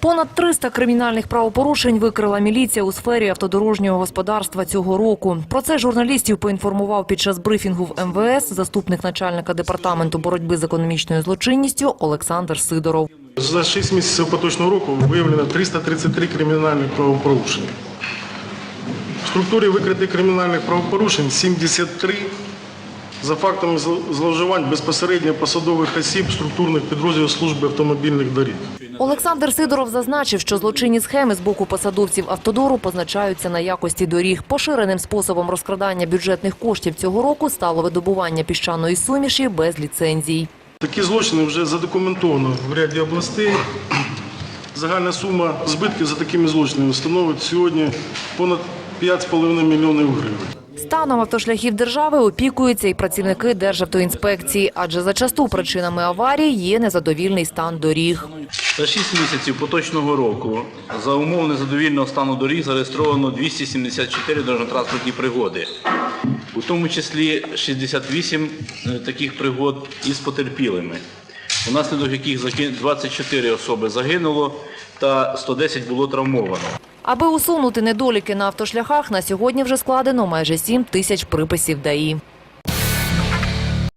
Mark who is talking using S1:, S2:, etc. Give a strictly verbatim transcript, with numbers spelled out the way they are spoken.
S1: Понад триста кримінальних правопорушень викрила міліція у сфері автодорожнього господарства цього року. Про це журналістів поінформував під час брифінгу в ем ве ес заступник начальника департаменту боротьби з економічною злочинністю Олександр Сидоров.
S2: За шість місяців поточного року виявлено триста тридцять три кримінальних правопорушення. В структурі викритих кримінальних правопорушень сімдесят три за фактами зловживань безпосередньо посадових осіб структурних підрозділів служби автомобільних доріг.
S1: Олександр Сидоров зазначив, що злочинні схеми з боку посадовців автодору позначаються на якості доріг. Поширеним способом розкрадання бюджетних коштів цього року стало видобування піщаної суміші без ліцензій.
S2: Такі злочини вже задокументовано в ряді областей. Загальна сума збитків за такими злочинами становить сьогодні понад п'ять з половиною мільйонів гривень.
S1: Станом автошляхів держави опікуються і працівники Державтоінспекції, адже зачасту причинами аварій є незадовільний стан доріг.
S3: За шість місяців поточного року за умов незадовільного стану доріг зареєстровано двісті сімдесят чотири дорожньо-транспортні пригоди, у тому числі шістдесят вісім таких пригод із потерпілими, унаслідок яких двадцять чотири особи загинуло та сто десять було травмовано.
S1: Аби усунути недоліки на автошляхах, на сьогодні вже складено майже сім тисяч приписів ДАІ.